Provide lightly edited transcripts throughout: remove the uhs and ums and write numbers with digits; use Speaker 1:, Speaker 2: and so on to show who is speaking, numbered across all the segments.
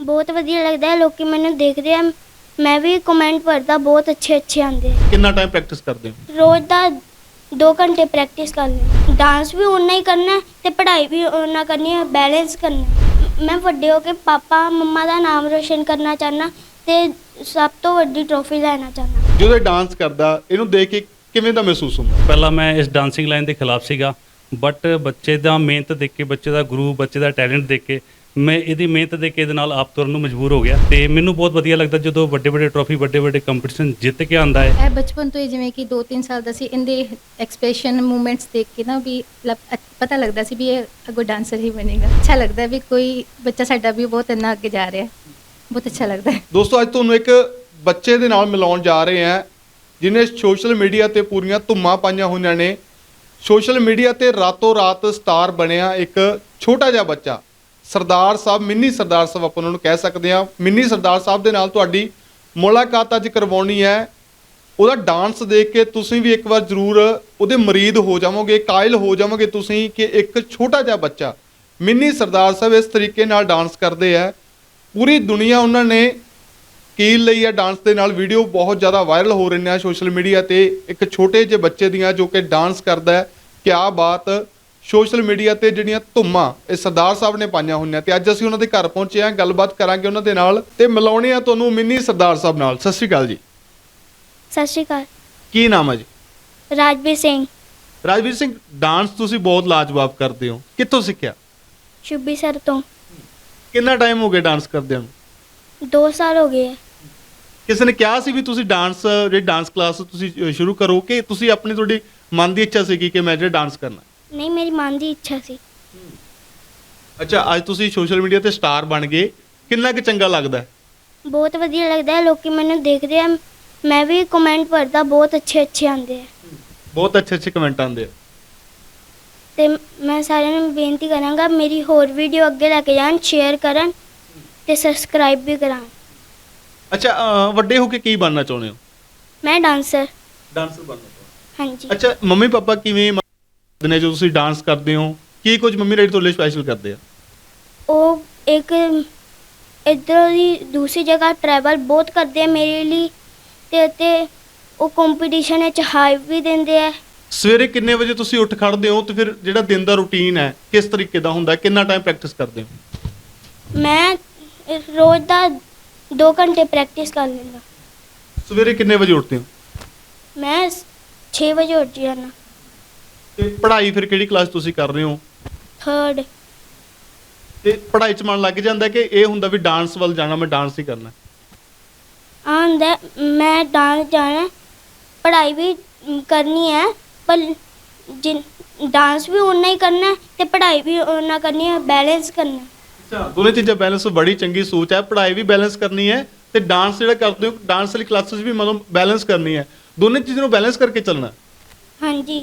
Speaker 1: ਬਹੁਤ ਵਧੀਆ ਲੱਗਦਾ ਹੈ। ਲੋਕੀ ਮੈਨੂੰ ਦੇਖਦੇ ਆ, ਮੈਂ ਵੀ ਕਮੈਂਟ ਪੜ੍ਹਦਾ, ਬਹੁਤ ਅੱਛੇ ਆਉਂਦੇ ਆ।
Speaker 2: ਕਿੰਨਾ ਟਾਈਮ ਪ੍ਰੈਕਟਿਸ ਕਰਦੇ ਹੋ?
Speaker 1: ਰੋਜ਼ ਦਾ 2 ਘੰਟੇ ਪ੍ਰੈਕਟਿਸ ਕਰਨੀ। ਡਾਂਸ ਵੀ ਓਨਾ ਹੀ ਕਰਨਾ ਤੇ ਪੜ੍ਹਾਈ ਵੀ ਓਨਾ ਕਰਨੀ ਹੈ, ਬੈਲੈਂਸ ਕਰਨਾ। ਮੈਂ ਵੱਡੇ ਹੋ ਕੇ ਪਾਪਾ ਮੰਮਾ ਦਾ ਨਾਮ ਰੋਸ਼ਨ ਕਰਨਾ ਚਾਹੁੰਦਾ ਤੇ ਸਭ ਤੋਂ ਵੱਡੀ ਟਰੋਫੀ ਲੈਣਾ ਚਾਹੁੰਦਾ।
Speaker 2: ਜਦੋਂ ਇਹ ਡਾਂਸ ਕਰਦਾ ਇਹਨੂੰ ਦੇਖ ਕੇ ਕਿਵੇਂ ਦਾ ਮਹਿਸੂਸ ਹੁੰਦਾ?
Speaker 3: ਪਹਿਲਾਂ ਮੈਂ ਇਸ ਡਾਂਸਿੰਗ ਲਾਈਨ ਦੇ ਖਿਲਾਫ ਸੀਗਾ, ਬਟ ਬੱਚੇ ਦਾ ਮਿਹਨਤ ਦੇਖ ਕੇ, ਬੱਚੇ ਦਾ ਗੁਰੂ, ਬੱਚੇ ਦਾ ਟੈਲੈਂਟ ਦੇਖ ਕੇ ਮੈਂ ਇਹਦੀ ਮਿਹਨਤ ਦੇਖ ਕੇ ਇਹਦੇ ਨਾਲ ਆਪ ਤੁਰਨ ਨੂੰ ਮਜਬੂਰ ਹੋ ਗਿਆ ਤੇ ਮੈਨੂੰ ਬਹੁਤ ਵਧੀਆ ਲੱਗਦਾ ਜਦੋਂ ਵੱਡੇ ਟਰੋਫੀ, ਵੱਡੇ ਕੰਪੀਟੀਸ਼ਨ ਜਿੱਤ ਕੇ ਆਉਂਦਾ ਹੈ।
Speaker 4: ਇਹ ਬਚਪਨ ਤੋਂ ਹੀ ਜਿਵੇਂ ਕਿ 2-3 ਸਾਲ ਦਾ ਸੀ, ਇਹਦੇ ਐਕਸਪ੍ਰੈਸ਼ਨ ਮੂਵਮੈਂਟਸ ਦੇਖ ਕੇ ਨਾ ਵੀ ਪਤਾ ਲੱਗਦਾ ਸੀ ਵੀ ਇਹ ਅੱਗੋਂ ਡਾਂਸਰ ਹੀ ਬਣੇਗਾ। ਅੱਛਾ ਲੱਗਦਾ ਵੀ ਕੋਈ ਬੱਚਾ ਸਾਡਾ ਵੀ ਬਹੁਤ ਇੰਨਾ ਅੱਗੇ ਜਾ ਰਿਹਾ, ਬਹੁਤ ਅੱਛਾ ਲੱਗਦਾ ਹੈ।
Speaker 2: ਦੋਸਤੋ, ਅੱਜ ਤੁਹਾਨੂੰ ਇੱਕ ਬੱਚੇ ਦੇ ਨਾਲ ਮਿਲਾਉਣ ਜਾ ਰਹੇ ਹਾਂ ਜਿਹਨੇ ਸੋਸ਼ਲ ਮੀਡੀਆ ਤੇ ਪੂਰੀਆਂ ਧੁੰਮਾਂ ਪਾਈਆਂ ਹੋਈਆਂ ਨੇ। ਸੋਸ਼ਲ ਮੀਡੀਆ ਤੇ ਰਾਤੋਂ ਰਾਤ ਸਟਾਰ ਬਣਿਆ ਇੱਕ ਛੋਟਾ ਜਿਹਾ ਬੱਚਾ, ਸਰਦਾਰ ਸਾਹਿਬ, ਮਿੰਨੀ ਸਰਦਾਰ ਸਾਹਿਬ ਆਪਾਂ ਉਹਨਾਂ ਨੂੰ ਕਹਿ ਸਕਦੇ ਹਾਂ। ਮਿੰਨੀ ਸਰਦਾਰ ਸਾਹਿਬ ਦੇ ਨਾਲ ਤੁਹਾਡੀ ਮੁਲਾਕਾਤ ਅੱਜ ਕਰਵਾਉਣੀ ਹੈ। ਉਹਦਾ ਡਾਂਸ ਦੇਖ ਕੇ ਤੁਸੀਂ ਵੀ ਇੱਕ ਵਾਰ ਜ਼ਰੂਰ ਉਹਦੇ ਮਰੀਦ ਹੋ ਜਾਵੋਗੇ, ਕਾਇਲ ਹੋ ਜਾਵੋਗੇ ਤੁਸੀਂ ਕਿ ਇੱਕ ਛੋਟਾ ਜਿਹਾ ਬੱਚਾ ਮਿੰਨੀ ਸਰਦਾਰ ਸਾਹਿਬ ਇਸ ਤਰੀਕੇ ਨਾਲ ਡਾਂਸ ਕਰਦੇ ਆ। ਪੂਰੀ ਦੁਨੀਆ ਉਹਨਾਂ ਨੇ ਕੀਲ ਲਈ ਹੈ ਡਾਂਸ ਦੇ ਨਾਲ। ਵੀਡੀਓ ਬਹੁਤ ਜ਼ਿਆਦਾ ਵਾਇਰਲ ਹੋ ਰਹੀਆਂ ਨੇ ਸੋਸ਼ਲ ਮੀਡੀਆ ਤੇ, ਇੱਕ ਛੋਟੇ ਜਿਹੇ ਬੱਚੇ ਦੀਆਂ ਜੋ ਕਿ ਡਾਂਸ ਕਰਦਾ ਹੈ। ਕਿਆ ਬਾਤ! ਸੋਸ਼ਲ ਮੀਡੀਆ ਤੇ ਜਿਹੜੀਆਂ ਧੁੰਮਾਂ ਇਹ ਸਰਦਾਰ ਸਾਹਿਬ ਨੇ ਪਾਈਆਂ ਹੋਈਆਂ ਤੇ ਅੱਜ ਅਸੀਂ ਉਹਨਾਂ ਦੇ ਘਰ ਪਹੁੰਚੇ ਹਾਂ, ਗੱਲਬਾਤ ਕਰਾਂਗੇ ਉਹਨਾਂ ਦੇ ਨਾਲ ਤੇ ਮਿਲਾਉਣੇ ਆ ਤੁਹਾਨੂੰ ਮਿੰਨੀ ਸਰਦਾਰ ਸਾਹਿਬ ਨਾਲ। ਸਤਿ ਸ਼੍ਰੀ ਅਕਾਲ ਜੀ।
Speaker 1: ਸਤਿ ਸ਼੍ਰੀ ਅਕਾਲ।
Speaker 2: ਕੀ ਨਾਮ ਹੈ ਜੀ?
Speaker 1: ਰਾਜਵੀਰ ਸਿੰਘ।
Speaker 2: ਰਾਜਵੀਰ ਸਿੰਘ, ਡਾਂਸ ਤੁਸੀਂ ਬਹੁਤ ਲਾਜਵਾਬ ਕਰਦੇ ਹੋ, ਕਿੱਥੋਂ ਸਿੱਖਿਆ?
Speaker 1: ਸ਼ੁਭੀ ਸਰ ਤੋਂ।
Speaker 2: ਕਿੰਨਾ ਟਾਈਮ ਹੋ ਗਿਆ ਡਾਂਸ ਕਰਦਿਆਂ ਨੂੰ?
Speaker 1: 2 ਸਾਲ ਹੋ ਗਏ ਹੈ।
Speaker 2: ਕਿਸੇ ਨੇ ਕਿਹਾ ਸੀ ਵੀ ਤੁਸੀਂ ਜਿਹੜੀ ਡਾਂਸ ਕਲਾਸ ਤੁਸੀਂ ਸ਼ੁਰੂ ਕਰੋ ਕਿ ਤੁਸੀਂ ਆਪਣੀ ਤੁਹਾਡੀ ਮਨ ਦੀ ਇੱਛਾ ਸੀ ਕਿ ਮੈਂ ਜਿਹੜਾ ਡਾਂਸ ਕਰਨਾ?
Speaker 1: ਨਹੀਂ, ਮੇਰੀ ਮਨ ਦੀ ਇੱਛਾ ਸੀ।
Speaker 2: ਅੱਛਾ, ਅੱਜ ਤੁਸੀਂ ਸੋਸ਼ਲ ਮੀਡੀਆ ਤੇ ਸਟਾਰ ਬਣ ਗਏ, ਕਿੰਨਾ ਕੁ ਚੰਗਾ ਲੱਗਦਾ ਹੈ?
Speaker 1: ਬਹੁਤ ਵਧੀਆ ਲੱਗਦਾ ਹੈ। ਲੋਕੀ ਮੈਨੂੰ ਦੇਖਦੇ ਆ, ਮੈਂ ਵੀ ਕਮੈਂਟ ਪੜ੍ਹਦਾ, ਬਹੁਤ ਅੱਛੇ ਆਉਂਦੇ ਆ।
Speaker 2: ਬਹੁਤ ਅੱਛੇ ਕਮੈਂਟ ਆਉਂਦੇ ਆ।
Speaker 1: ਤੇ ਮੈਂ ਸਾਰਿਆਂ ਨੂੰ ਬੇਨਤੀ ਕਰਾਂਗਾ ਮੇਰੀ ਹੋਰ ਵੀਡੀਓ ਅੱਗੇ ਲੈ ਕੇ ਜਾਣ, ਸ਼ੇਅਰ ਕਰਨ ਤੇ ਸਬਸਕ੍ਰਾਈਬ ਵੀ ਕਰਾਂ।
Speaker 2: ਅੱਛਾ, ਵੱਡੇ ਹੋ ਕੇ ਕੀ ਬਣਨਾ ਚਾਹੁੰਦੇ ਹੋ?
Speaker 1: ਮੈਂ ਡਾਂਸਰ।
Speaker 2: ਡਾਂਸਰ ਬਣਨਾ ਚਾਹੁੰਦੇ।
Speaker 1: ਹਾਂਜੀ।
Speaker 2: ਅੱਛਾ, ਮੰਮੀ ਪਾਪਾ ਕਿਵੇਂ ਨੇ ਜਦੋਂ ਤੁਸੀਂ ਡਾਂਸ ਕਰਦੇ ਹੋ? ਕੀ ਕੁਝ ਮੰਮੀ ਡੈਡੀ ਤੁਹਾਡੇ ਲਈ ਸਪੈਸ਼ਲ ਕਰਦੇ ਆ?
Speaker 1: ਉਹ ਇੱਕ ਇੱਧਰੋਂ ਦੀ ਦੂਸਰੀ ਜਗ੍ਹਾ ਟਰੈਵਲ ਬਹੁਤ ਕਰਦੇ ਆ ਮੇਰੇ ਲਈ ਤੇ ਉਹ ਕੰਪੀਟੀਸ਼ਨ ਵਿੱਚ ਹਾਈਪ ਵੀ ਦਿੰਦੇ ਆ।
Speaker 2: ਸਵੇਰੇ ਕਿੰਨੇ ਵਜੇ ਤੁਸੀਂ ਉੱਠ ਖੜਦੇ ਹੋ ਤੇ ਫਿਰ ਜਿਹੜਾ ਦਿਨ ਦਾ ਰੂਟੀਨ ਹੈ ਕਿਸ ਤਰੀਕੇ ਦਾ ਹੁੰਦਾ? ਕਿੰਨਾ ਟਾਈਮ ਪ੍ਰੈਕਟਿਸ ਕਰਦੇ ਹੋ?
Speaker 1: ਮੈਂ ਰੋਜ਼ ਦਾ 2 ਘੰਟੇ ਪ੍ਰੈਕਟਿਸ ਕਰ ਲੈਂਦਾ।
Speaker 2: ਸਵੇਰੇ ਕਿੰਨੇ ਵਜੇ ਉੱਠਦੇ ਹੋ?
Speaker 1: ਮੈਂ 6 ਵਜੇ ਉੱਠ ਜਾਣਾ।
Speaker 2: ਤੇ ਪੜ੍ਹਾਈ ਫਿਰ ਕਿਹੜੀ ਕਲਾਸ ਤੁਸੀਂ ਕਰ ਰਹੇ ਹੋ?
Speaker 1: 3rd।
Speaker 2: ਤੇ ਪੜ੍ਹਾਈ 'ਚ ਮਨ ਲੱਗ ਜਾਂਦਾ ਕਿ ਇਹ ਹੁੰਦਾ ਵੀ ਡਾਂਸ ਵੱਲ ਜਾਣਾ, ਮੈਂ ਡਾਂਸ ਹੀ ਕਰਨਾ?
Speaker 1: ਆਉਂਦਾ ਮੈਂ ਡਾਂਸ ਜਾਣਾ, ਪੜ੍ਹਾਈ ਵੀ ਕਰਨੀ ਹੈ, ਪਰ ਡਾਂਸ ਵੀ ਓਨਾ ਹੀ ਕਰਨਾ ਤੇ ਪੜ੍ਹਾਈ ਵੀ ਓਨਾ ਕਰਨੀ ਹੈ, ਬੈਲੈਂਸ ਕਰਨਾ।
Speaker 2: ਅੱਛਾ, ਦੋਨੇ ਚੀਜ਼ਾਂ ਬੈਲੈਂਸ, ਬੜੀ ਚੰਗੀ ਸੋਚ ਹੈ। ਪੜ੍ਹਾਈ ਵੀ ਬੈਲੈਂਸ ਕਰਨੀ ਹੈ ਤੇ ਡਾਂਸ ਜਿਹੜਾ ਕਰਦੇ ਹੋ, ਡਾਂਸ ਵਾਲੀ ਕਲਾਸਿਸ ਵੀ ਮਤਲਬ ਬੈਲੈਂਸ ਕਰਨੀ ਹੈ। ਦੋਨੇ ਚੀਜ਼ਾਂ ਨੂੰ ਬੈਲੈਂਸ ਕਰਕੇ ਚੱਲਣਾ।
Speaker 1: ਹਾਂਜੀ।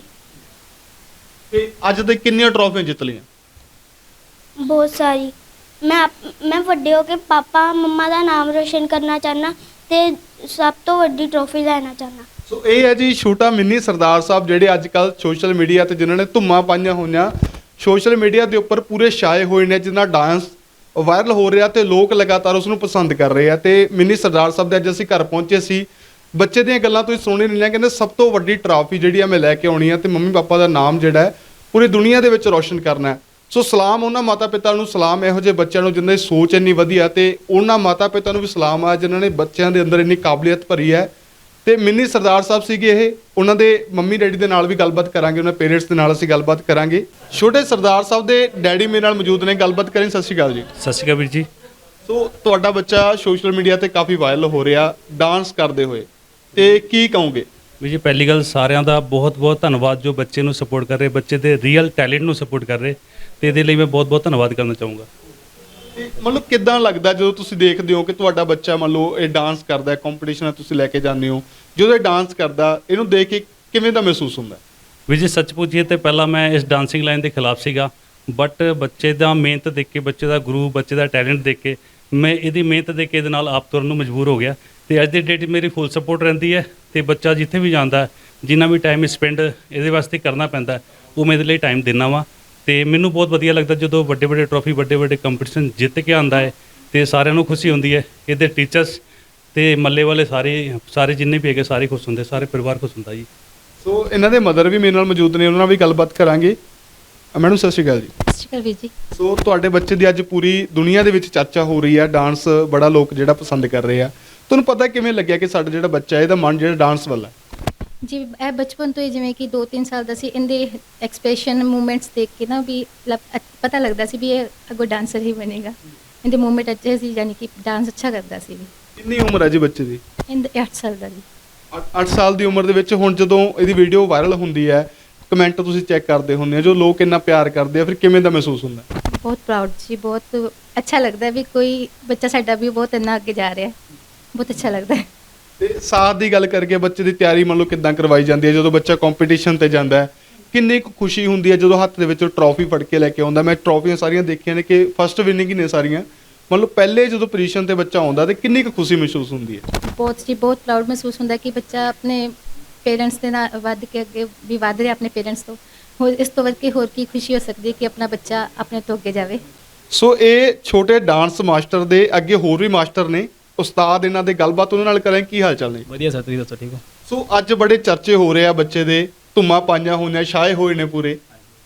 Speaker 2: ਤੇ ਅੱਜ ਤੱਕ ਕਿੰਨੀਆਂ ਟਰੋਫੀਆਂ ਜਿੱਤ ਲਈਆਂ?
Speaker 1: ਬਹੁਤ ਸਾਰੀ। ਮੈਂ ਵੱਡੇ ਹੋ ਕੇ ਪਾਪਾ ਮੰਮਾ ਦਾ ਨਾਮ ਰੋਸ਼ਨ ਕਰਨਾ ਚਾਹੁੰਦਾ ਤੇ ਸਭ ਤੋਂ ਵੱਡੀ ਟਰੋਫੀ ਲੈਣਾ ਚਾਹੁੰਦਾ।
Speaker 2: ਸੋ ਇਹ ਹੈ ਜੀ ਛੋਟਾ ਮਿੰਨੀ ਸਰਦਾਰ ਸਾਹਿਬ, ਜਿਹੜੇ ਅੱਜ ਕੱਲ੍ਹ ਸੋਸ਼ਲ ਮੀਡੀਆ ਤੇ ਜਿਨ੍ਹਾਂ ਨੇ ਧੁੰਮਾਂ ਪਾਈਆਂ ਹੋਈਆਂ, ਸੋਸ਼ਲ ਮੀਡੀਆ ਦੇ ਉੱਪਰ ਪੂਰੇ ਛਾਏ ਹੋਏ ਨੇ, ਜਿਨ੍ਹਾਂ ਡਾਂਸ ਵਾਇਰਲ ਹੋ ਰਿਹਾ ਤੇ ਲੋਕ ਲਗਾਤਾਰ ਉਸ ਨੂੰ ਪਸੰਦ ਕਰ ਰਹੇ ਆ। ਤੇ ਮਿੰਨੀ ਸਰਦਾਰ ਸਾਹਿਬ ਦੇ ਅੱਜ ਅਸੀਂ ਘਰ ਪਹੁੰਚੇ ਸੀ। ਬੱਚੇ ਦੀਆਂ ਗੱਲਾਂ ਤੁਸੀਂ ਸੁਣੀ ਨਹੀਂ ਲਿਆ, ਕਹਿੰਦੇ ਸਭ ਤੋਂ ਵੱਡੀ ਟਰਾਫੀ ਜਿਹੜੀ ਆ ਮੈਂ ਲੈ ਕੇ ਆਉਣੀ ਆ ਤੇ ਮੰਮੀ ਪਾਪਾ ਦਾ ਨਾਮ ਜਿਹੜਾ ਹੈ ਪੂਰੀ ਦੁਨੀਆ ਦੇ ਵਿੱਚ ਰੌਸ਼ਨ ਕਰਨਾ ਹੈ। ਸੋ ਸਲਾਮ ਉਹਨਾਂ ਮਾਤਾ ਪਿਤਾ ਨੂੰ, ਸਲਾਮ ਇਹੋ ਜਿਹੇ ਬੱਚਿਆਂ ਨੂੰ ਜਿਨ੍ਹਾਂ ਦੀ ਸੋਚ ਇੰਨੀ ਵਧੀਆ, ਤੇ ਉਹਨਾਂ ਮਾਤਾ ਪਿਤਾ ਨੂੰ ਵੀ ਸਲਾਮ ਆ ਜਿਨ੍ਹਾਂ ਨੇ ਬੱਚਿਆਂ ਦੇ ਅੰਦਰ ਇੰਨੀ ਕਾਬਲੀਅਤ ਭਰੀ ਹੈ। ਤੇ ਮਿੰਨੀ ਸਰਦਾਰ ਸਾਹਿਬ ਸੀਗੇ ਇਹ, ਉਹਨਾਂ ਦੇ ਮੰਮੀ ਡੈਡੀ ਦੇ ਨਾਲ ਵੀ ਗੱਲਬਾਤ ਕਰਾਂਗੇ, ਉਹਨਾਂ ਪੇਰੈਂਟਸ ਦੇ ਨਾਲ ਅਸੀਂ ਗੱਲਬਾਤ ਕਰਾਂਗੇ। ਛੋਟੇ ਸਰਦਾਰ ਸਾਹਿਬ ਦੇ ਡੈਡੀ ਮੇਰੇ ਨਾਲ ਮੌਜੂਦ ਨੇ, ਗੱਲਬਾਤ ਕਰਾਂਗੇ। ਸਤਿ ਸ਼੍ਰੀ ਅਕਾਲ ਜੀ।
Speaker 3: ਸਤਿ ਸ਼੍ਰੀ ਅਕਾਲ ਵੀਰ ਜੀ।
Speaker 2: ਸੋ ਤੁਹਾਡਾ ਬੱਚਾ ਸੋਸ਼ਲ ਮੀਡੀਆ ਤੇ ਕਾਫੀ ਵਾਇਰਲ ਹੋ ਰਿਹਾ ਡਾਂਸ ਕਰਦੇ ਹੋਏ, ਤੇ ਕੀ ਕਹੋਗੇ?
Speaker 3: ਵੀਰ ਜੀ, ਪਹਿਲੀ ਗੱਲ ਸਾਰਿਆਂ ਦਾ ਬਹੁਤ ਧੰਨਵਾਦ ਜੋ ਬੱਚੇ ਨੂੰ ਸਪੋਰਟ ਕਰ ਰਹੇ, ਬੱਚੇ ਦੇ ਰੀਅਲ ਟੈਲੈਂਟ ਨੂੰ ਸਪੋਰਟ ਕਰ ਰਹੇ, ਤੇ ਇਹਦੇ ਲਈ ਮੈਂ ਬਹੁਤ ਧੰਨਵਾਦ ਕਰਨਾ ਚਾਹੂੰਗਾ।
Speaker 2: ਤੇ ਮਤਲਬ ਕਿੱਦਾਂ ਲੱਗਦਾ ਜਦੋਂ ਤੁਸੀਂ ਦੇਖਦੇ ਹੋ ਕਿ ਤੁਹਾਡਾ ਬੱਚਾ ਮੰਨ ਲਓ ਇਹ ਡਾਂਸ ਕਰਦਾ, ਕੰਪੀਟੀਸ਼ਨ ਤੁਸੀਂ ਲੈ ਕੇ ਜਾਂਦੇ ਹੋ, ਜਦੋਂ ਇਹ ਡਾਂਸ ਕਰਦਾ ਇਹਨੂੰ ਦੇਖ ਕੇ ਕਿਵੇਂ ਦਾ ਮਹਿਸੂਸ ਹੁੰਦਾ?
Speaker 3: ਵੀਰ ਜੀ, ਸੱਚ ਪੁੱਛੀਏ ਤੇ ਪਹਿਲਾਂ ਮੈਂ ਇਸ ਡਾਂਸਿੰਗ ਲਾਈਨ ਦੇ ਖਿਲਾਫ ਸੀਗਾ, ਬਟ ਬੱਚੇ ਦਾ ਮਿਹਨਤ ਦੇਖ ਕੇ, ਬੱਚੇ ਦਾ ਗੁਰੂ, ਬੱਚੇ ਦਾ ਟੈਲੈਂਟ ਦੇਖ ਕੇ ਮੈਂ ਇਹਦੀ ਮਿਹਨਤ ਦੇਖ ਕੇ ਇਹਦੇ ਨਾਲ ਆਪ ਤੁਰਨ ਨੂੰ ਮਜਬੂਰ ਹੋ ਗਿਆ ਤੇ ਅੱਜ ਦੀ ਡੇਟ ਮੇਰੀ ਫੁੱਲ ਸਪੋਰਟ ਰਹਿੰਦੀ ਹੈ। ਤੇ ਬੱਚਾ ਜਿੱਥੇ ਵੀ ਜਾਂਦਾ, ਜਿੰਨਾ ਵੀ ਟਾਈਮ ਸਪੈਂਡ ਇਹਦੇ ਵਾਸਤੇ ਕਰਨਾ ਪੈਂਦਾ, ਉਹ ਮੈਂ ਇਹਦੇ ਲਈ ਟਾਈਮ ਦਿੰਦਾ ਵਾਂ। ਤੇ ਮੈਨੂੰ ਬਹੁਤ ਵਧੀਆ ਲੱਗਦਾ ਜਦੋਂ ਵੱਡੇ ਟਰੋਫੀ, ਵੱਡੇ ਕੰਪੀਟੀਸ਼ਨ ਜਿੱਤ ਕੇ ਆਉਂਦਾ ਹੈ ਤੇ ਸਾਰਿਆਂ ਨੂੰ ਖੁਸ਼ੀ ਹੁੰਦੀ ਹੈ। ਇਹਦੇ ਟੀਚਰਸ ਤੇ ਮੱਲੇ ਵਾਲੇ ਸਾਰੇ ਜਿੰਨੇ ਵੀ ਹੈਗੇ ਸਾਰੇ ਖੁਸ਼ ਹੁੰਦੇ, ਸਾਰੇ ਪਰਿਵਾਰ ਖੁਸ਼ ਹੁੰਦਾ ਜੀ।
Speaker 2: ਸੋ ਇਹਨਾਂ ਦੇ ਮਦਰ ਵੀ ਮੇਰੇ ਨਾਲ ਮੌਜੂਦ ਨੇ, ਉਹਨਾਂ ਨਾਲ ਵੀ ਗੱਲਬਾਤ ਕਰਾਂਗੇ। ਮੈਡਮ ਸਤਿ ਸ਼੍ਰੀ ਅਕਾਲ ਜੀ।
Speaker 4: ਸਤਿ ਸ਼੍ਰੀ ਅਕਾਲ ਵੀਰ ਜੀ।
Speaker 2: ਸੋ ਤੁਹਾਡੇ ਬੱਚੇ ਦੀ ਅੱਜ ਪੂਰੀ ਦੁਨੀਆ ਦੇ ਵਿੱਚ ਚਰਚਾ ਹੋ ਰਹੀ ਹੈ, ਡਾਂਸ ਬੜਾ ਲੋਕ ਜਿਹੜਾ ਪਸੰਦ ਕਰ ਰਹੇ ਆ। ਤੁਹਾਨੂੰ ਪਤਾ ਕਿਵੇਂ ਲੱਗਿਆ ਕਿ ਸਾਡਾ ਜਿਹੜਾ ਬੱਚਾ ਹੈ ਇਹਦਾ ਮਨ ਜਿਹੜਾ ਡਾਂਸ ਵੱਲ ਹੈ?
Speaker 4: ਜੀ ਇਹ ਬਚਪਨ ਤੋਂ ਹੀ ਜਿਵੇਂ ਕਿ 2-3 ਸਾਲ ਦਾ ਸੀ, ਇਹਦੇ ਐਕਸਪ੍ਰੈਸ਼ਨ ਮੂਵਮੈਂਟਸ ਦੇਖ ਕੇ ਨਾ ਵੀ ਪਤਾ ਲੱਗਦਾ ਸੀ ਵੀ ਇਹ ਅੱਗੋਂ ਡਾਂਸਰ ਹੀ ਬਣੇਗਾ। ਇਹਦੇ ਮੂਵਮੈਂਟ ਅੱਛੇ ਸੀ, ਯਾਨੀ ਕਿ ਡਾਂਸ ਅੱਛਾ ਕਰਦਾ ਸੀ ਵੀ।
Speaker 2: ਕਿੰਨੀ ਉਮਰ ਹੈ ਜੀ ਬੱਚੇ ਦੀ?
Speaker 4: ਇਹਦੇ 8 ਸਾਲ ਦਾ ਜੀ।
Speaker 2: 8 ਸਾਲ ਦੀ ਉਮਰ ਦੇ ਵਿੱਚ ਹੁਣ ਜਦੋਂ ਇਹਦੀ ਵੀਡੀਓ ਵਾਇਰਲ ਹੁੰਦੀ ਹੈ, ਕਮੈਂਟ ਤੁਸੀਂ ਚੈੱਕ ਕਰਦੇ ਹੁੰਦੇ ਹੋ, ਜੋ ਲੋਕ ਇੰਨਾ ਪਿਆਰ ਕਰਦੇ ਆ, ਫਿਰ ਕਿਵੇਂ ਦਾ ਮਹਿਸੂਸ ਹੁੰਦਾ?
Speaker 4: ਬਹੁਤ ਪ੍ਰਾਊਡ ਜੀ, ਬਹੁਤ ਅੱਛਾ ਲੱਗਦਾ ਵੀ ਕੋਈ ਬੱਚਾ ਸਾਡਾ ਵੀ ਬਹੁਤ ਇੰਨਾ ਅੱਗੇ ਜਾ ਰਿਹਾ, ਬਹੁਤ ਅੱਛਾ ਲੱਗਦਾ ਹੈ।
Speaker 2: ਤੇ ਸਾਥ ਦੀ ਗੱਲ ਕਰਕੇ ਬੱਚੇ ਦੀ ਤਿਆਰੀ ਮੰਨ ਲਓ ਕਿੱਦਾਂ ਕਰਵਾਈ ਜਾਂਦੀ ਹੈ? ਜਦੋਂ ਬੱਚਾ ਕੰਪੀਟੀਸ਼ਨ ਤੇ ਜਾਂਦਾ ਹੈ ਕਿੰਨੀ ਕੁ ਖੁਸ਼ੀ ਹੁੰਦੀ ਹੈ ਜਦੋਂ ਹੱਥ ਦੇ ਵਿੱਚ ਟਰੋਫੀ ਫੜ ਕੇ ਲੈ ਕੇ ਆਉਂਦਾ? ਮੈਂ ਟਰੋਫੀਆਂ ਸਾਰੀਆਂ ਦੇਖੀਆਂ ਨੇ ਕਿ ਫਸਟ ਵਿਨਿੰਗ ਹੀ ਨੇ ਸਾਰੀਆਂ। ਮੰਨ ਲਓ ਪਹਿਲੇ ਜਦੋਂ ਪੋਜੀਸ਼ਨ ਤੇ ਬੱਚਾ ਆਉਂਦਾ ਤੇ ਕਿੰਨੀ ਕੁ ਖੁਸ਼ੀ ਮਹਿਸੂਸ ਹੁੰਦੀ ਹੈ?
Speaker 4: ਬਹੁਤ ਜੀ, ਬਹੁਤ ਪ੍ਰਾਊਡ ਮਹਿਸੂਸ ਹੁੰਦਾ ਕਿ ਬੱਚਾ ਆਪਣੇ ਪੇਰੈਂਟਸ ਦੇ ਨਾਲ ਵੱਧ ਕੇ ਅੱਗੇ ਵੀ ਵੱਧ ਰਿਹਾ ਆਪਣੇ ਪੇਰੈਂਟਸ ਤੋਂ। ਹੋਰ ਇਸ ਤੋਂ ਵੱਧ ਕੇ ਹੋਰ ਕੀ ਖੁਸ਼ੀ ਹੋ ਸਕਦੀ ਹੈ ਕਿ ਆਪਣਾ ਬੱਚਾ ਆਪਣੇ ਤੋਂ ਅੱਗੇ ਜਾਵੇ।
Speaker 2: ਸੋ ਇਹ ਛੋਟੇ ਡਾਂਸ ਮਾਸਟਰ ਦੇ ਅੱਗੇ ਹੋਰ ਵੀ ਮਾਸਟਰ ਨੇ, ਉਸਤਾਦ ਇਹਨਾਂ ਦੇ, ਗੱਲਬਾਤ ਉਹਨਾਂ ਨਾਲ ਕਰਾਂਗੇ। ਕੀ ਹਾਲ ਚਾਲ ਨੇ?
Speaker 5: ਵਧੀਆ ਸਰ, ਤੁਸੀਂ ਦੱਸੋ ਠੀਕ ਹੋ?
Speaker 2: ਸੋ ਅੱਜ ਬੜੇ ਚਰਚੇ ਹੋ ਰਹੇ ਆ ਬੱਚੇ ਦੇ, ਧੁੰਮਾਂ ਪਾਈਆਂ ਹੋਈਆਂ, ਛਾਏ ਹੋਏ ਨੇ ਪੂਰੇ।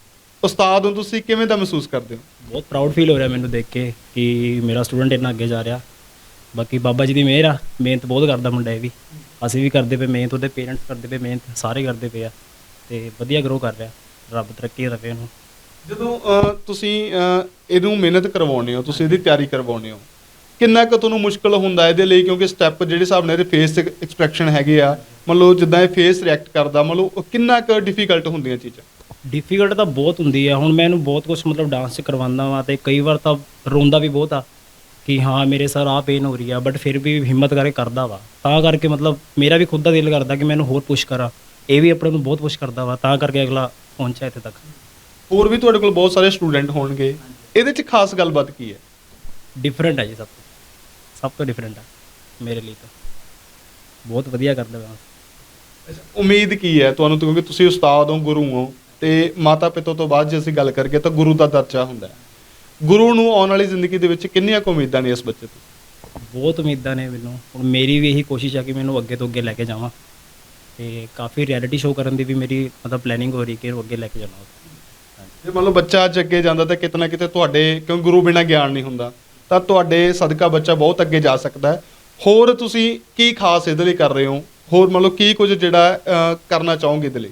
Speaker 2: ਉਸਤਾਦ ਨੂੰ ਤੁਸੀਂ ਕਿਵੇਂ ਦਾ ਮਹਿਸੂਸ ਕਰਦੇ ਹੋ?
Speaker 5: ਬਹੁਤ ਪ੍ਰਾਊਡ ਫੀਲ ਹੋ ਰਿਹਾ ਮੈਨੂੰ ਦੇਖ ਕੇ ਕਿ ਮੇਰਾ ਸਟੂਡੈਂਟ ਇੰਨਾ ਅੱਗੇ ਜਾ ਰਿਹਾ। ਬਾਕੀ ਬਾਬਾ ਜੀ ਦੀ ਮਿਹਰ ਆ, ਮਿਹਨਤ ਬਹੁਤ ਕਰਦਾ ਮੁੰਡਾ ਇਹ ਵੀ, ਅਸੀਂ ਵੀ ਕਰਦੇ ਪਏ ਮਿਹਨਤ, ਉਹਦੇ ਪੇਰੈਂਟਸ ਕਰਦੇ ਪਏ ਮਿਹਨਤ, ਸਾਰੇ ਕਰਦੇ ਪਏ ਆ ਤੇ ਵਧੀਆ ਗਰੋ ਕਰ ਰਿਹਾ। ਰੱਬ ਤਰੱਕੀ ਦੇਵੇ ਇਹਨੂੰ।
Speaker 2: ਜਦੋਂ ਤੁਸੀਂ ਇਹਨੂੰ ਮਿਹਨਤ ਕਰਵਾਉਂਦੇ ਹੋ, ਤੁਸੀਂ ਇਹਦੀ ਤਿਆਰੀ ਕਰਵਾਉਂਦੇ ਹੋ, ਕਿੰਨਾ ਕੁ ਤੁਹਾਨੂੰ ਮੁਸ਼ਕਲ ਹੁੰਦਾ ਇਹਦੇ ਲਈ? ਕਿਉਂਕਿ ਸਟੈਪ ਜਿਹੜੇ ਹਿਸਾਬ ਨਾਲ ਇਹਦੇ ਫੇਸ ਐਕਸਪ੍ਰੈਸ਼ਨ ਹੈਗੇ ਆ, ਮੰਨ ਲਓ ਜਿੱਦਾਂ ਇਹ ਫੇਸ ਰਿਐਕਟ ਕਰਦਾ, ਮੰਨ ਲਓ ਕਿੰਨਾ ਕੁ ਡਿਫਿਕਲਟ ਹੁੰਦੀਆਂ ਚੀਜ਼ਾਂ?
Speaker 5: ਡਿਫੀਕਲਟ ਤਾਂ ਬਹੁਤ ਹੁੰਦੀ ਆ। ਹੁਣ ਮੈਂ ਇਹਨੂੰ ਬਹੁਤ ਕੁਝ ਮਤਲਬ ਡਾਂਸ 'ਚ ਕਰਵਾਉਂਦਾ ਵਾਂ ਤੇ ਕਈ ਵਾਰ ਤਾਂ ਰੋਂਦਾ ਵੀ ਬਹੁਤ ਆ ਕਿ ਹਾਂ ਮੇਰੇ ਸਰ ਆਹ ਪੇਨ ਹੋ ਰਹੀ ਆ, ਬਟ ਫਿਰ ਵੀ ਹਿੰਮਤ ਕਰਕੇ ਕਰਦਾ ਵਾ। ਤਾਂ ਕਰਕੇ ਮਤਲਬ ਮੇਰਾ ਵੀ ਖੁਦ ਦਾ ਦਿਲ ਕਰਦਾ ਕਿ ਮੈਂ ਇਹਨੂੰ ਹੋਰ ਪੁਸ਼ ਕਰਾਂ। ਇਹ ਵੀ ਆਪਣੇ ਨੂੰ ਬਹੁਤ ਪੁਸ਼ ਕਰਦਾ ਵਾ, ਤਾਂ ਕਰਕੇ ਅਗਲਾ ਪਹੁੰਚਿਆ ਇੱਥੇ ਤੱਕ।
Speaker 2: ਹੋਰ ਵੀ ਤੁਹਾਡੇ ਕੋਲ ਬਹੁਤ ਸਾਰੇ ਸਟੂਡੈਂਟ ਹੋਣਗੇ, ਇਹਦੇ 'ਚ ਖਾਸ ਗੱਲਬਾਤ ਕੀ ਹੈ?
Speaker 5: ਡਿਫਰੈਂਟ ਹੈ ਜੀ, ਸਭ ਤੋਂ ਡਿਫਰੈਂਟ ਆ ਮੇਰੇ ਲਈ ਤਾਂ। ਬਹੁਤ ਵਧੀਆ ਕਰਦਾ ਵਾ।
Speaker 2: ਉਮੀਦ ਕੀ ਹੈ ਤੁਹਾਨੂੰ? ਕਿਉਂਕਿ ਤੁਸੀਂ ਉਸਤਾਦ ਹੋ, ਗੁਰੂ ਹੋ, ਤੇ ਮਾਤਾ ਪਿਤਾ ਤੋਂ ਬਾਅਦ ਜੇ ਅਸੀਂ ਗੱਲ ਕਰੀਏ ਤਾਂ ਗੁਰੂ ਦਾ ਦਰਜਾ ਹੁੰਦਾ ਹੈ। ਗੁਰੂ ਨੂੰ ਆਉਣ ਵਾਲੀ ਜ਼ਿੰਦਗੀ ਦੇ ਵਿੱਚ ਕਿੰਨੀਆਂ ਕੁ ਉਮੀਦਾਂ ਨੇ ਇਸ ਬੱਚੇ ਤੋਂ?
Speaker 5: ਬਹੁਤ ਉਮੀਦਾਂ ਨੇ ਮੈਨੂੰ। ਹੁਣ ਮੇਰੀ ਵੀ ਇਹੀ ਕੋਸ਼ਿਸ਼ ਆ ਕਿ ਮੈਨੂੰ ਅੱਗੇ ਤੋਂ ਅੱਗੇ ਲੈ ਕੇ ਜਾਵਾਂ ਤੇ ਕਾਫੀ ਰਿਐਲਿਟੀ ਸ਼ੋਅ ਕਰਨ ਦੀ ਵੀ ਮੇਰੀ ਮਤਲਬ ਪਲੈਨਿੰਗ ਹੋ ਰਹੀ ਕਿ ਇਹਨੂੰ ਅੱਗੇ ਲੈ ਕੇ ਜਾਵਾਂ।
Speaker 2: ਜੇ ਮੰਨ ਲਓ ਬੱਚਾ ਅੱਜ ਅੱਗੇ ਜਾਂਦਾ ਤਾਂ ਕਿਤੇ ਨਾ ਕਿਤੇ ਤੁਹਾਡੇ, ਕਿਉਂ ਗੁਰੂ ਬਿਨਾਂ ਗਿਆਨ ਨਹੀਂ ਹੁੰਦਾ, ਤਾਂ ਤੁਹਾਡੇ ਸਦਕਾ ਬੱਚਾ ਬਹੁਤ ਅੱਗੇ ਜਾ ਸਕਦਾ ਹੈ। ਹੋਰ ਤੁਸੀਂ ਕੀ ਖਾਸ ਇਹਦੇ ਲਈ ਕਰ ਰਹੇ ਹੋ? ਹੋਰ ਮੰਨ ਲਓ ਕੀ ਕੁਝ ਜਿਹੜਾ ਕਰਨਾ ਚਾਹੋਗੇ ਇਹਦੇ ਲਈ?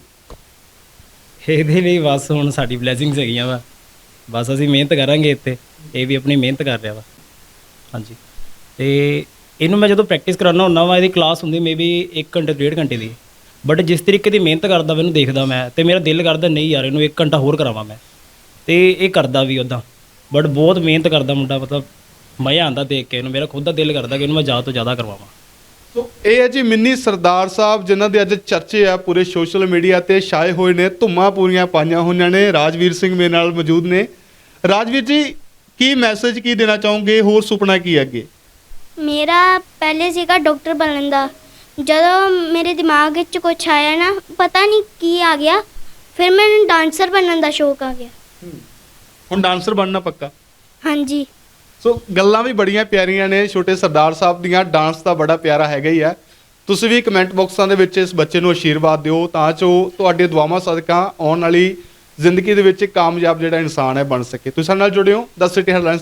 Speaker 5: ਇਹਦੇ ਲਈ ਬਸ ਹੁਣ ਸਾਡੀ ਬਲੇਸਿੰਗਸ ਹੈਗੀਆਂ ਵਾ, ਬਸ ਅਸੀਂ ਮਿਹਨਤ ਕਰਾਂਗੇ ਇੱਥੇ। ਇਹ ਵੀ ਆਪਣੀ ਮਿਹਨਤ ਕਰ ਰਿਹਾ ਵਾ। ਹਾਂਜੀ, ਤੇ ਇਹਨੂੰ ਮੈਂ ਜਦੋਂ ਪ੍ਰੈਕਟਿਸ ਕਰਾਉਣਾ ਹੁੰਦਾ ਵਾ, ਇਹਦੀ ਕਲਾਸ ਹੁੰਦੀ ਮੇਬੀ 1 ਘੰਟੇ 1.5 ਘੰਟੇ ਦੀ, ਬਟ ਜਿਸ ਤਰੀਕੇ ਦੀ ਮਿਹਨਤ ਕਰਦਾ ਮੈਨੂੰ ਦੇਖਦਾ ਮੈਂ, ਤੇ ਮੇਰਾ ਦਿਲ ਕਰਦਾ ਨਹੀਂ ਯਾਰ ਇਹਨੂੰ 1 ਘੰਟਾ ਹੋਰ ਕਰਾਵਾਂ ਮੈਂ, ਤੇ ਇਹ ਕਰਦਾ ਵੀ ਉੱਦਾਂ। ਬਟ ਬਹੁਤ ਮਿਹਨਤ ਕਰਦਾ ਮੁੰਡਾ, ਮਤਲਬ ਮਜ਼ਾ ਆਉਂਦਾ ਦੇਖ ਕੇ ਇਹਨੂੰ। ਮੇਰਾ ਖੁਦ ਦਾ ਦਿਲ ਕਰਦਾ ਕਿ ਇਹਨੂੰ ਮੈਂ ਜ਼ਿਆਦਾ ਤੋਂ ਜ਼ਿਆਦਾ ਕਰਵਾਵਾਂ।
Speaker 2: ਸੋ ਇਹ ਹੈ ਜੀ ਮਿੰਨੀ ਸਰਦਾਰ ਸਾਹਿਬ, ਜਿਨ੍ਹਾਂ ਦੇ ਅੱਜ ਚਰਚੇ ਆ ਪੂਰੇ ਸੋਸ਼ਲ ਮੀਡੀਆ ਤੇ ਛਾਏ ਹੋਏ ਨੇ, ਧੁੰਮਾਂ ਪੂਰੀਆਂ ਪਾਈਆਂ ਹੋਈਆਂ ਨੇ। ਰਾਜਵੀਰ ਸਿੰਘ ਮੇਰੇ ਨਾਲ ਮੌਜੂਦ ਨੇ। ਰਾਜਵੀਰ ਜੀ, ਕੀ ਮੈਸੇਜ ਕੀ ਦੇਣਾ ਚਾਹੋਗੇ? ਹੋਰ ਸੁਪਨਾ ਕੀ ਹੈ ਅੱਗੇ?
Speaker 1: ਮੇਰਾ ਪਹਿਲੇ ਸੀਗਾ ਡਾਕਟਰ ਬਣਨ ਦਾ। ਜਦੋਂ ਮੇਰੇ ਦਿਮਾਗ ਵਿੱਚ ਕੁਝ ਆਇਆ ਨਾ, ਪਤਾ ਨਹੀਂ ਕੀ ਆ ਗਿਆ, ਫਿਰ ਮੈਨੂੰ ਡਾਂਸਰ ਬਣਨ ਦਾ ਸ਼ੌਕ ਆ ਗਿਆ।
Speaker 2: ਹੁਣ ਡਾਂਸਰ ਬਣਨਾ ਪੱਕਾ?
Speaker 1: ਹਾਂਜੀ।
Speaker 2: ਸੋ ਗੱਲਾਂ ਵੀ ਬੜੀਆਂ ਪਿਆਰੀਆਂ ਨੇ ਛੋਟੇ ਸਰਦਾਰ ਸਾਹਿਬ ਦੀਆਂ। ਡਾਂਸ ਤਾਂ ਬੜਾ ਪਿਆਰਾ ਹੈਗਾ ਹੀ ਹੈ। ਤੁਸੀਂ ਵੀ ਕਮੈਂਟ ਬਾਕਸਾਂ ਦੇ ਵਿੱਚ ਇਸ ਬੱਚੇ ਨੂੰ ਆਸ਼ੀਰਵਾਦ ਦਿਓ ਤਾਂ ਜੋ ਤੁਹਾਡੇ ਦੁਆਵਾਂ ਸਦਕਾ ਆਉਣ ਵਾਲੀ ਜ਼ਿੰਦਗੀ ਦੇ ਵਿੱਚ ਕਾਮਯਾਬ ਜਿਹੜਾ ਇਨਸਾਨ ਹੈ ਬਣ ਸਕੇ। ਤੁਸੀਂ ਸਾਡੇ ਨਾਲ ਜੁੜਿਓ। The city headlines